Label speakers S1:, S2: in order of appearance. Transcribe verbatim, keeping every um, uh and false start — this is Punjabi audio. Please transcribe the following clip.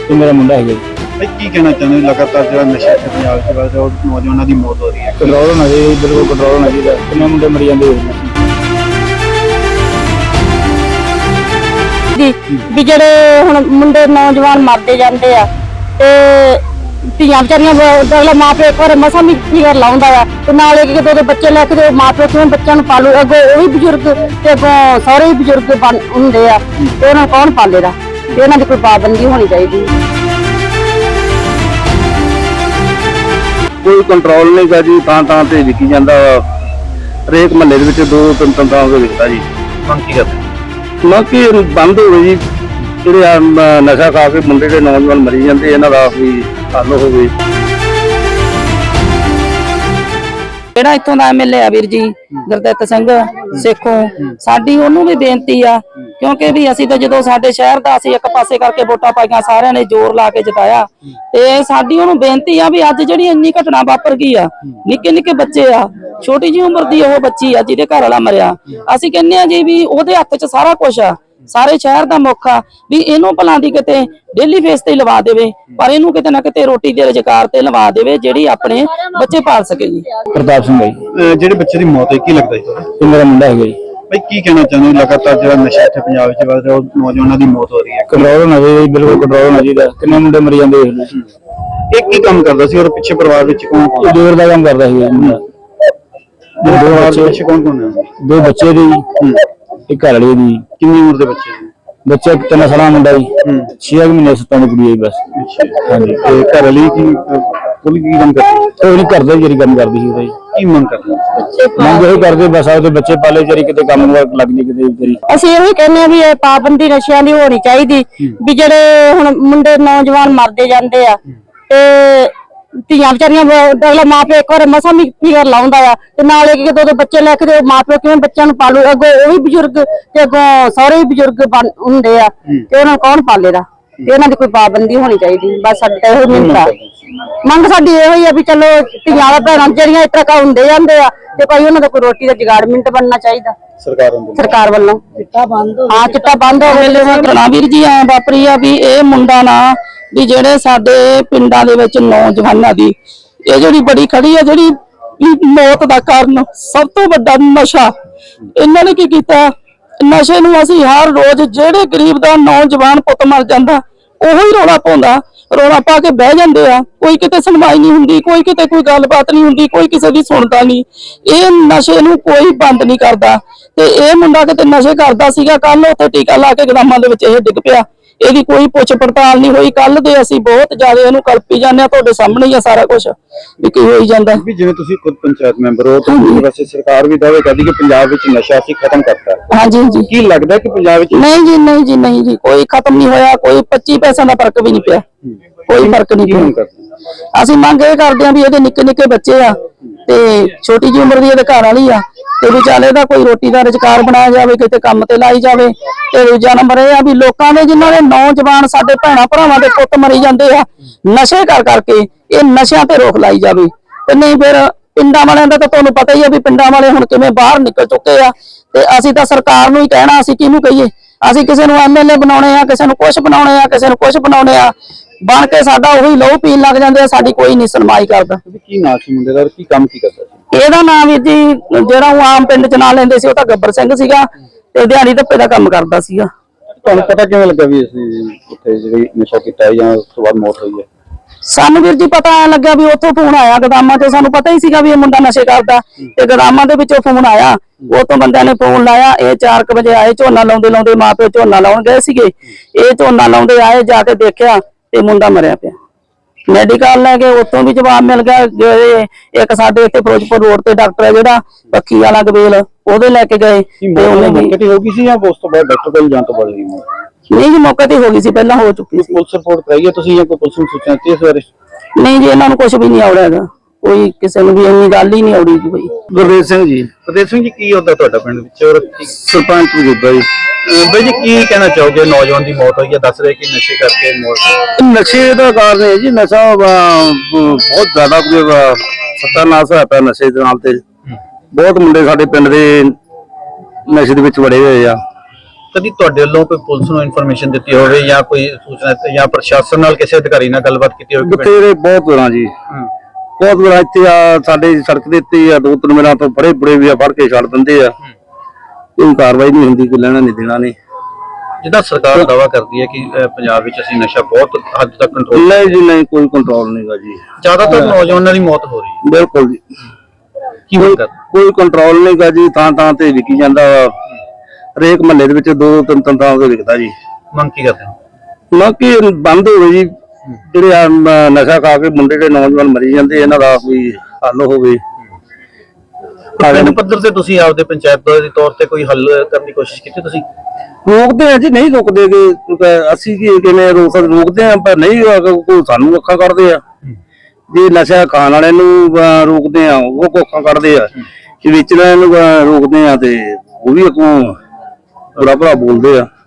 S1: ਤੇ ਮੇਰਾ ਮੁੰਡਾ ਹੈਗਾ ਜੀ।
S2: ਭਾਈ ਕੀ ਕਹਿਣਾ ਚਾਹੁੰਦੇ ਹੋ ਲਗਾਤਾਰ ਜਿਹੜਾ ਨਸ਼ਾ ਇੱਥੇ ਪੰਜਾਬ 'ਚ ਵੱਧ ਰਿਹਾ ਉਹ ਨੌਜਵਾਨਾਂ ਦੀ ਮੌਤ ਹੋ ਰਹੀ ਹੈ।
S1: ਕੰਟਰੋਲ ਹੋਣਾ ਚਾਹੀਦਾ, ਬਿਲਕੁਲ ਕੰਟਰੋਲ ਹੋਣਾ ਚਾਹੀਦਾ। ਕਿੰਨੇ ਮੁੰਡੇ ਮਰੀ ਜਾਂਦੇ
S3: ਵੀ ਜਿਹੜੇ ਹੁਣ ਮੁੰਡੇ ਨੌਜਵਾਨ ਮਰਦੇ ਜਾਂਦੇ ਆ ਤੇ ਧੀਆਂ ਵਿਚਾਰੀਆਂ ਅਗਲਾ ਮਾਂ ਪਿਓ ਇੱਕ ਵਾਰ ਮਸਾਂ ਵੀ ਫਿਕਰ ਲਾਉਂਦਾ ਆ ਤੇ ਨਾਲੇ ਕਿ ਜਦੋਂ ਬੱਚੇ ਲੈ ਕੇ ਮਾਂ ਪਿਓ ਕਿਵੇਂ ਬੱਚਿਆਂ ਨੂੰ ਪਾਲੂ, ਅੱਗੋਂ ਉਹ ਵੀ ਬਜ਼ੁਰਗ ਤੇ ਅੱਗੋਂ ਸਾਰੇ ਹੀ ਬਜ਼ੁਰਗ ਹੁੰਦੇ ਆ ਤੇ ਉਹਨਾਂ ਨੂੰ ਕੌਣ ਪਾਲੇਗਾ? ਤੇ ਇਹਨਾਂ ਦੀ ਕੋਈ ਪਾਬੰਦੀ ਹੋਣੀ ਚਾਹੀਦੀ।
S1: ਕੋਈ ਕੰਟਰੋਲ ਨਹੀਂ ਗਾ ਜੀ, ਥਾਂ ਥਾਂ ਤੇ ਵਿਕੀ ਜਾਂਦਾ ਵਾ। ਹਰੇਕ ਮਹੱਲੇ ਦੇ ਵਿੱਚ ਦੋ ਤਿੰਨ ਤਿੰਨ ਥਾਂ ਤੇ ਵਿਕਦਾ ਜੀ।
S2: ਮੰਗ ਕੀ ਕਰਦੇ
S1: ਨਾ ਕਿ ਬੰਦ ਹੋਵੇ ਜੀ, ਜਿਹੜੇ ਆ ਨਸ਼ਾ ਖਾ ਕੇ ਮੁੰਡੇ ਦੇ ਨੌਜਵਾਨ ਮਰੀ ਜਾਂਦੇ, ਇਹਨਾਂ ਦਾ ਵੀ ਹੱਲ ਹੋਵੇ।
S4: ਜਿਹੜਾ ਇੱਥੋਂ ਦਾ ਐਮਐਲਏ ਆ ਵੀਰ ਜੀ ਗੁਰਦਿੱਤ ਸਿੰਘ ਸੇਖੋਂ, ਸਾਡੀ ਉਹਨੂੰ ਵੀ ਬੇਨਤੀ ਆ ਕਿਉਂਕਿ ਵੀ ਅਸੀਂ ਤਾਂ ਜਦੋਂ ਸਾਡੇ ਸ਼ਹਿਰ ਦਾ ਅਸੀਂ ਇੱਕ ਪਾਸੇ ਕਰਕੇ ਵੋਟਾਂ ਪਾਈਆਂ, ਸਾਰਿਆਂ ਨੇ ਜ਼ੋਰ ਲਾ ਕੇ ਜਿਤਾਇਆ, ਤੇ ਸਾਡੀ ਉਹਨੂੰ ਬੇਨਤੀ ਆ ਵੀ ਅੱਜ ਜਿਹੜੀ ਇੰਨੀ ਘਟਨਾ ਵਾਪਰ ਗਈ ਆ, ਨਿੱਕੇ ਨਿੱਕੇ ਬੱਚੇ ਆ, ਛੋਟੀ ਜਿਹੀ ਉਮਰ ਦੀ ਉਹ ਬੱਚੀ ਆ ਜਿਹਦੇ ਘਰ ਵਾਲਾ ਮਰਿਆ, ਅਸੀਂ ਕਹਿੰਦੇ ਆ ਜੀ ਵੀ ਉਹਦੇ ਹੱਥ 'ਚ ਸਾਰਾ ਕੁਝ ਆ, ਸਾਰੇ ਸ਼ਹਿਰ ਦਾ ਮੁੱਖ ਆ, ਵੀ ਇਹਨੂੰ ਭਲਾਂ ਦੀ ਕਿਤੇ ਡੇਲੀ ਫੇਸ ਤੇ ਲਵਾ ਦੇਵੇ, ਪਰ ਇਹਨੂੰ ਕਿਤੇ ਨਾ ਕਿਤੇ ਰੋਟੀ ਦੇ ਰੁਜ਼ਗਾਰ ਤੇ ਲਵਾ ਦੇਵੇ ਜਿਹੜੀ ਆਪਣੇ ਬੱਚੇ ਪਾਲ ਸਕੇ ਜੀ।
S1: ਪ੍ਰਤਾਪ ਸਿੰਘ ਜੀ।
S2: ਜਿਹੜੇ ਬੱਚੇ ਦੀ ਮੌਤ ਹੋਈ ਕੀ ਲੱਗਦਾ ਜੀ ਤੁਹਾਨੂੰ?
S1: ਤੇ ਮੇਰਾ ਮੁੰਡਾ ਹੈਗਾ ਜੀ।
S2: ਭਾਈ ਕੀ ਕਹਿਣਾ ਚਾਹੁੰਦੇ ਹੋ ਲਗਾਤਾਰ ਜਿਹੜਾ ਨਸ਼ਾ ਇੱਥੇ ਪੰਜਾਬ 'ਚ ਵੱਧ ਰਿਹਾ ਉਹ ਨੌਜਵਾਨਾਂ ਦੀ ਮੌਤ ਹੋ ਰਹੀ ਹੈ।
S1: ਕੰਟਰੋਲ ਹੋਣਾ ਚਾਹੀਦਾ, ਬਿਲਕੁਲ ਕੰਟਰੋਲ ਹੋਣਾ ਚਾਹੀਦਾ। ਕਿੰਨੇ ਮੁੰਡੇ ਮਰੀ ਜਾਂਦੇ
S2: ਇਹ ਕੀ ਕੰਮ ਕਰਦਾ ਸੀ ਔਰ ਪਿੱਛੇ ਪਰਿਵਾਰ ਵਿੱਚ ਕੌਣ ਕੌਣ?
S1: ਦੇਵਰ ਦਾ ਕੰਮ ਕਰਦਾ ਸੀ ਮੁੰਡਾ।
S2: ਦੋ ਬੱਚੇ ਕੌਣ ਕੌਣ ਨੇ?
S1: ਦੋ ਬੱਚੇ ਦੀ ਇੱਕ ਘਰ ਵਾਲੀ ਦੀ।
S2: ਕਿੰਨੀ ਉਮਰ ਦੇ ਬੱਚੇ ਨੇ?
S1: ਬੱਚਾ ਤਿੰਨ ਸਾਲਾਂ ਮੁੰਡਾ ਜੀ, ਛੇ ਮਹੀਨੇ ਸੱਤਾਂ ਦੀ ਕੁੜੀ ਹੈ ਬਸ।
S2: ਹਾਂਜੀ, ਤੇ ਘਰ ਵਾਲੀ ਕੀ ਕੁੱਲ ਕੀ ਕੰਮ ਕਰਦੀ?
S1: ਉਹ ਨਹੀਂ ਕਰਦਾ ਜਿਹੜੀ ਕੰਮ ਕਰਦੀ ਸੀ ਉਹਦਾ ਜੀ।
S2: ਕੀ ਮੰਗ ਕਰਦੇ?
S1: ਮੰਗ ਇਹੀ ਕਰਦੇ ਬਸ ਆਪਦੇ ਬੱਚੇ ਪਾਲੇ, ਜਿਹੜੀ ਕਿਤੇ ਕੰਮ ਲੱਗ ਜੀ ਕਿਤੇ ਵਿਚਾਰੀ।
S3: ਅਸੀਂ ਇਹੋ ਕਹਿੰਦੇ ਆ ਵੀ ਇਹ ਪਾਬੰਦੀ ਨਸ਼ਿਆਂ ਦੀ ਹੋਣੀ ਚਾਹੀਦੀ, ਵੀ ਜਿਹੜੇ ਹੁਣ ਮੁੰਡੇ ਨੌਜਵਾਨ ਮਰਦੇ ਜਾਂਦੇ ਆ ਤੇ ਧੀਆਂ ਵਿਚਾਰੀਆਂ ਅਗਲਾ ਮਾਂ ਪਿਓ ਇੱਕ ਵਾਰ ਮਸਾਂ ਵੀ ਫਿਕਰ ਲਾਉਂਦਾ ਆ ਤੇ ਨਾਲੇ ਕਿ ਜਦੋਂ ਬੱਚੇ ਲੈ ਕੇ ਮਾਂ ਪਿਓ ਕਿਵੇਂ ਬੱਚਿਆਂ ਨੂੰ ਪਾਲੂ, ਅੱਗੋਂ ਉਹ ਵੀ ਬਜ਼ੁਰਗ ਤੇ ਅੱਗੋਂ ਸਾਰੇ ਹੀ ਬਜ਼ੁਰਗ ਹੁੰਦੇ ਆ ਤੇ ਉਹਨਾਂ ਨੂੰ ਕੌਣ ਪਾਲੇਗਾ? ਤੇ ਇਹਨਾਂ ਦੀ ਕੋਈ ਪਾਬੰਦੀ ਹੋਣੀ ਚਾਹੀਦੀ। ਬਸ ਸਾਡੀ ਤਾਂ ਇਹੋ ਮਿਹਨਤ ਆ, ਮੰਗ ਸਾਡੀ ਇਹੋ ਹੀ ਆ ਵੀ ਚਲੋ ਧੀਆਂ ਦਾ ਭੈਣਾਂ ਜਿਹੜੀਆਂ ਇਸ ਤਰ੍ਹਾਂ ਹੁੰਦੇ ਜਾਂਦੇ ਆ ਤੇ ਭਾਈ ਉਹਨਾਂ ਦਾ ਕੋਈ ਰੋਟੀ ਦਾ ਜੁਗਾੜ ਮਿੰਟ ਬਣਨਾ ਚਾਹੀਦਾ
S2: ਸਰਕਾਰ ਵੱਲੋਂ।
S3: ਸਰਕਾਰ ਵੱਲੋਂ ਚਿੱਟਾ ਬੰਦ ਹਾਂ ਚਿੱਟਾ ਬੰਦ ਹੋ
S4: ਘਟਨਾ ਵੀਰ ਜੀ ਐ ਵਾਪਰੀ ਆ ਵੀ ਇਹ ਮੁੰਡਾ ਨਾ ਵੀ ਜਿਹੜੇ ਸਾਡੇ ਪਿੰਡਾਂ ਦੇ ਵਿੱਚ ਨੌਜਵਾਨਾਂ ਦੀ ਇਹ ਜਿਹੜੀ ਬੜੀ ਖੜੀ ਆ, ਜਿਹੜੀ ਮੌਤ ਦਾ ਕਾਰਨ ਸਭ ਤੋਂ ਵੱਡਾ ਨਸ਼ਾ। ਇਹਨਾਂ ਨੇ ਕੀ ਕੀਤਾ, ਨਸ਼ੇ ਨੂੰ ਅਸੀਂ ਹਰ ਰੋਜ਼ ਜਿਹੜੇ ਗਰੀਬ ਦਾ ਨੌਜਵਾਨ ਪੁੱਤ ਮਰ ਜਾਂਦਾ ਉਹੀ ਰੌਲਾ ਪਾਉਂਦਾ, ਰੌਲਾ ਪਾ ਕੇ ਬਹਿ ਜਾਂਦੇ ਆ, ਕੋਈ ਕਿਤੇ ਸੁਣਵਾਈ ਨਹੀਂ ਹੁੰਦੀ, ਕੋਈ ਕਿਤੇ ਕੋਈ ਗੱਲਬਾਤ ਨਹੀਂ ਹੁੰਦੀ, ਕੋਈ ਕਿਸੇ ਦੀ ਸੁਣਦਾ ਨਹੀਂ। ਇਹ ਨਸ਼ੇ ਨੂੰ ਕੋਈ ਬੰਦ ਨਹੀਂ ਕਰਦਾ ਤੇ ਇਹ ਮੁੰਡਾ ਕਿਤੇ ਨਸ਼ੇ ਕਰਦਾ ਸੀਗਾ, ਕੱਲ ਉੱਥੇ ਟੀਕਾ ਲਾ ਕੇ ਗਦਾਮਾਂ ਦੇ ਵਿੱਚ ਇਹ ਡਿੱਗ ਪਿਆ, ਇਹਦੀ ਕੋਈ ਪੁੱਛ ਪੜਤਾਲ ਨਹੀਂ ਹੋਈ। ਕੱਲ ਦੇ ਅਸੀਂ ਬਹੁਤ ਜ਼ਿਆਦਾ ਇਹਨੂੰ ਕਲਪੀ ਜਾਂਦੇ ਆ, ਤੁਹਾਡੇ ਸਾਹਮਣੇ ਹੀ ਆ ਸਾਰਾ ਕੁਝ ਵੀ ਕੀ ਹੋਈ ਜਾਂਦਾ।
S2: ਵੀ ਜਿਵੇਂ ਤੁਸੀਂ ਖੁਦ ਪੰਚਾਇਤ ਮੈਂਬਰ ਹੋ ਤਾਂ ਵੈਸੇ ਸਰਕਾਰ ਵੀ ਦਾਅਵੇ ਕਰਦੀ ਕਿ ਪੰਜਾਬ ਵਿੱਚ ਨਸ਼ਾ ਅਸੀਂ ਖਤਮ ਕਰਤਾ।
S4: ਹਾਂਜੀ ਜੀ।
S2: ਕੀ ਲੱਗਦਾ ਕਿ ਪੰਜਾਬ ਵਿੱਚ?
S4: ਨਹੀਂ ਜੀ ਨਹੀਂ ਜੀ ਨਹੀਂ ਜੀ, ਕੋਈ ਖਤਮ ਨਹੀਂ ਹੋਇਆ, ਕੋਈ ਪੱਚੀ ਪੈਸਿਆਂ ਦਾ ਫਰਕ ਵੀ ਨਹੀਂ ਪਿਆ, ਕੋਈ ਫਰਕ ਨਹੀਂ ਪਿਆ। ਅਸੀਂ ਮੰਗ ਇਹ ਕਰਦੇ ਆ ਵੀ ਇਹਦੇ ਨਿੱਕੇ ਨਿੱਕੇ ਬੱਚੇ ਆ ਤੇ ਛੋਟੀ ਜਿਹੀ ਉਮਰ ਦੀ ਇਹਦੇ ਘਰ ਵਾਲੀ ਆ ਤੇ ਵਿਚਾਲੇ ਦਾ ਕੋਈ ਰੋਟੀ ਦਾ ਰੁਜ਼ਗਾਰ ਬਣਾਇਆ ਜਾਵੇ, ਕਿਤੇ ਕੰਮ ਤੇ ਲਾਈ ਜਾਵੇ। ਤੇ ਦੂਜਾ ਨੰਬਰ ਇਹ ਆ ਵੀ ਲੋਕਾਂ ਦੇ ਜਿਨ੍ਹਾਂ ਦੇ ਨੌਜਵਾਨ ਸਾਡੇ ਭੈਣਾਂ ਭਰਾਵਾਂ ਦੇ ਪੁੱਤ ਮਰੀ ਜਾਂਦੇ ਆ ਨਸ਼ੇ ਕਰ ਕਰਕੇ, ਇਹ ਨਸ਼ਿਆਂ ਤੇ ਰੋਕ ਲਾਈ ਜਾਵੇ। ਤੇ ਨਹੀਂ ਫਿਰ ਪਿੰਡਾਂ ਵਾਲਿਆਂ ਦਾ ਤਾਂ ਤੁਹਾਨੂੰ ਪਤਾ ਹੀ ਆ ਵੀ ਪਿੰਡਾਂ ਵਾਲੇ ਹੁਣ ਕਿਵੇਂ ਬਾਹਰ ਨਿਕਲ ਚੁੱਕੇ ਆ ਤੇ ਅਸੀਂ ਤਾਂ ਸਰਕਾਰ ਨੂੰ ਹੀ ਕਹਿਣਾ, ਅਸੀਂ ਕਿਹਨੂੰ ਕਹੀਏ? ਅਸੀਂ ਕਿਸੇ ਨੂੰ ਐਮਐਲਏ ਬਣਾਉਣੇ ਆ, ਕਿਸੇ ਨੂੰ ਕੁਛ ਬਣਾਉਣੇ ਆ, ਕਿਸੇ ਨੂੰ ਕੁਛ ਬਣਾਉਣੇ ਆ, ਬਣ ਕੇ ਸਾਡਾ ਉਹੀ ਲਹੂ ਪੀਣ ਲੱਗ ਜਾਂਦੇ ਆ, ਸਾਡੀ ਕੋਈ ਨਹੀਂ ਸੁਣਵਾਈ ਕਰਦਾ।
S2: ਕੀ ਨਾਂ ਸੀ ਮੁੰਡੇ ਦਾ, ਕੀ ਕੰਮ ਕੀ ਕਰਦਾ ਸੀ?
S4: ਇਹਦਾ ਨਾਮ ਵੀਰ ਜੀ ਜਿਹੜਾ ਉਹ ਆਮ ਪਿੰਡ ਚ ਨਾਂ ਲੈਂਦੇ ਸੀ ਉਹ ਤਾਂ ਗੱਬਰ ਸਿੰਘ ਸੀਗਾ ਤੇ ਦਿਹਾੜੀ ਧੱਪੇ ਦਾ ਕੰਮ ਕਰਦਾ ਸੀਗਾ।
S2: ਤੁਹਾਨੂੰ ਪਤਾ ਕਿਵੇਂ ਲੱਗਾ ਵੀ ਅਸੀਂ ਉੱਥੇ ਜਿਹੜੀ ਨਸ਼ਾ ਕੀਤਾ ਜਾਂ ਉਸ ਤੋਂ ਬਾਅਦ ਮੌਤ ਹੋਈ ਹੈ?
S4: ਸਾਨੂੰ ਵੀਰ ਜੀ ਪਤਾ ਐ ਲੱਗਾ ਵੀ ਉੱਥੋਂ ਫੋਨ ਆਇਆ ਗਦਾਮਾਂ ਤੋਂ, ਸਾਨੂੰ ਪਤਾ ਹੀ ਸੀਗਾ ਵੀ ਇਹ ਮੁੰਡਾ ਨਸ਼ੇ ਕਰਦਾ ਤੇ ਗਦਾਮਾਂ ਦੇ ਵਿੱਚੋਂ ਫੋਨ ਆਇਆ, ਉਹ ਤੋਂ ਬੰਦਿਆਂ ਨੇ ਫੋਨ ਲਾਇਆ। ਇਹ ਚਾਰ ਕੁ ਵਜੇ ਆਏ, ਝੋਨਾ ਲਾਉਂਦੇ ਲਾਉਂਦੇ ਮਾਂ ਪਿਓ ਝੋਨਾ ਲਾਉਣ ਗਏ ਸੀਗੇ, ਇਹ ਝੋਨਾ ਲਾਉਂਦੇ ਆਏ, ਜਾ ਕੇ ਦੇਖਿਆ ਤੇ ਮੁੰਡਾ ਮਰਿਆ ਪਿਆ। ਮੈਡੀਕਲ ਲੈ ਕੇ ਉੱਥੋਂ ਵੀ ਜਵਾਬ ਮਿਲ ਗਿਆ। ਇੱਕ ਸਾਡੇ ਇੱਥੇ ਫਿਰੋਜ਼ਪੁਰ ਰੋਡ ਤੇ ਡਾਕਟਰ ਹੈ ਜਿਹੜਾ ਪੱਖੀ ਵਾਲਾ ਗਵੇਲ, ਉਹਦੇ ਲੈ ਕੇ ਗਏ ਤੇ ਉਹਨੇ
S2: ਵੀ ਹੋ ਗਈ ਸੀ ਜਾਂ ਉਸ ਤੋਂ ਬਾਅਦ ਡਾਕਟਰ ਕੋਲ ਜਾਣ ਤੋਂ ਬਾਅਦ?
S4: ਨਹੀਂ ਜੀ, ਮੌਕੇ ਤੇ ਹੋ ਗਈ ਸੀ, ਪਹਿਲਾਂ ਹੋ ਚੁੱਕੀ ਸੀ।
S2: ਪੁਲਿਸ ਰਿਪੋਰਟ ਕਰਾਈ ਹੈ ਤੁਸੀਂ ਜਾਂ ਕੋਈ ਪੁਲਿਸ ਨੂੰ ਸੂਚਨਾ ਦਿੱਤੀ ਇਸ ਬਾਰੇ?
S4: ਨਹੀਂ ਜੀ, ਇਹਨਾਂ ਨੂੰ ਕੁਝ ਵੀ ਨਹੀਂ ਆਉੜਾ ਹੈਗਾ, ਕੋਈ ਕਿਸੇ ਨੂੰ ਵੀ ਇੰਨੀ ਗੱਲ ਹੀ ਨਹੀਂ ਆਉੜੀ ਜੀ। ਕੋਈ
S1: ਗੁਰਦੇਵ ਸਿੰਘ ਜੀ।
S2: ਗੁਰਦੇਵ ਸਿੰਘ ਜੀ, ਕੀ ਹੁੰਦਾ ਤੁਹਾਡਾ ਪਿੰਡ ਵਿੱਚ ਔਰ
S1: ਸਰਪੰਚ ਮੌਜੂਦਾ ਜੀ।
S2: ਬਾਈ ਜੀ ਕੀ ਕਹਿਣਾ ਚਾਹੋਗੇ? ਨੌਜਵਾਨ ਦੀ ਮੌਤ ਹੋਈ ਹੈ, ਦੱਸ ਰਹੇ ਕਿ ਨਸ਼ੇ ਕਰਕੇ ਮੌਤ।
S1: ਨਸ਼ੇ ਦਾ ਕਾਰਨ ਹੈ ਜੀ, ਨਸ਼ਾ ਬਹੁਤ ਜ਼ਿਆਦਾ ਸੱਤਾਨਾਸ ਹੋਇਆ ਪਿਆ ਨਸ਼ੇ ਦੇ ਨਾਲ ਤੇ ਬਹੁਤ ਮੁੰਡੇ ਸਾਡੇ ਪਿੰਡ ਦੇ ਨਸ਼ੇ ਦੇ ਵਿੱਚ ਵੜੇ ਹੋਏ ਆ।
S2: ਕਦੀ ਤੁਹਾਡੇ ਵੱਲੋਂ ਕੋਈ ਪੁਲਿਸ ਨੂੰ ਇਨਫੋਰਮੇਸ਼ਨ ਦਿੱਤੀ ਹੋਵੇ ਜਾਂ ਕੋਈ ਸੂਚਨਾ ਦਿੱਤੀ ਜਾਂ ਪ੍ਰਸ਼ਾਸਨ ਨਾਲ ਕਿਸੇ ਅਧਿਕਾਰੀ ਨਾਲ ਗੱਲਬਾਤ ਕੀਤੀ ਹੋਵੇ?
S1: ਬਥੇਰੇ ਬਹੁਤ ਵਾਰਾਂ ਜੀ, ਬਹੁਤ ਵਾਰ ਇੱਥੇ ਆ ਸਾਡੇ ਸੜਕ ਦੇ ਉੱਤੇ ਆ ਦੋ ਤਿੰਨ ਮਿੰਟਾਂ ਤੋਂ ਫੜੇ ਫੜੇ ਵੀ ਆ, ਫੜ ਕੇ ਛੱਡ ਦਿੰਦੇ ਆ, ਕੋਈ ਕਾਰਵਾਈ ਨਹੀਂ ਹੁੰਦੀ, ਕੋਈ ਲੈਣਾ ਨਹੀਂ ਦੇਣਾ ਨਹੀਂ।
S2: ਜਿੱਦਾਂ ਸਰਕਾਰ ਦਾਅਵਾ ਕਰਦੀ ਹੈ ਕਿ ਅਹ, ਪੰਜਾਬ ਵਿੱਚ ਅਸੀਂ ਨਸ਼ਾ ਬਹੁਤ ਹੱਦ ਤੱਕ ਕੰਟਰੋਲ,
S1: ਨਹੀਂ ਜੀ ਨਹੀਂ, ਕੋਈ ਕੰਟਰੋਲ ਨਹੀਂਗਾ ਜੀ।
S2: ਜ਼ਿਆਦਾਤਰ ਨੌਜਵਾਨਾਂ ਦੀ ਮੌਤ ਹੋ ਰਹੀ ਹੈ,
S1: ਬਿਲਕੁਲ ਜੀ,
S2: ਕੀ ਮੰਗ ਕਰਦੇ?
S1: ਕੋਈ ਕੰਟਰੋਲ ਨਹੀਂਗਾ ਜੀ। ਥਾਂ ਥਾਂ ਤੇ ਵਿਕੀ ਜਾਂਦਾ ਵਾ, ਹਰੇਕ ਮਹੱਲੇ ਦੇ ਵਿੱਚ ਦੋ ਤਿੰਨ ਤਿੰਨ ਥਾਂ ਤੇ ਵਿਕਦਾ ਜੀ।
S2: ਮੰਗ ਕੀ ਕਰਦੇ ਹੋ?
S1: ਨਾ ਕਿ ਬੰਦ ਹੋਵੇ ਜੀ, ਜਿਹੜੇ ਆ ਮ, ਨਸ਼ਾ ਖਾ ਕੇ ਮੁੰਡੇ ਦੇ ਨੌਜਵਾਨ ਮਰੀ ਜਾਂਦੇ, ਇਹਨਾਂ ਦਾ ਕੋਈ ਹੱਲ ਹੋਵੇ।
S2: ਪਿੰਡ ਪੱਧਰ ਤੇ ਤੁਸੀਂ ਆਪਦੇ ਪੰਚਾਇਤ ਦੇ ਤੌਰ ਤੇ ਕੋਈ ਹੱਲ ਕਰਨ ਦੀ ਕੋਸ਼ਿਸ਼ ਕੀਤੀ ਤੁਸੀਂ?
S1: ਰੋਕਦੇ ਆ ਜੀ, ਨਹੀਂ ਰੁਕਦੇ ਗੇ, ਅਸੀਂ ਕੀ ਕਿਵੇਂ ਰੋਕ ਸਕਦੇ, ਰੋਕਦੇ ਆ ਪਰ ਨਹੀਂ, ਕੋਈ ਸਾਨੂੰ ਅੱਖਾਂ ਕੱਢਦੇ ਆ। ਜੇ ਨਸ਼ਾ ਖਾਣ ਵਾਲੇ ਨੂੰ ਅਹ, ਰੋਕਦੇ ਆ, ਉਹ ਕੋ ਅੱਖਾਂ ਕੱਢਦੇ ਆ। ਜੇ ਵੇਚਣ ਵਾਲੇ ਨੂੰ ਅਹ, ਰੋਕਦੇ ਆ ਤੇ ਉਹ ਵੀ ਅੱਗੋਂ ਬੁਰਾ ਭਲਾ ਬੋਲਦੇ ਆ।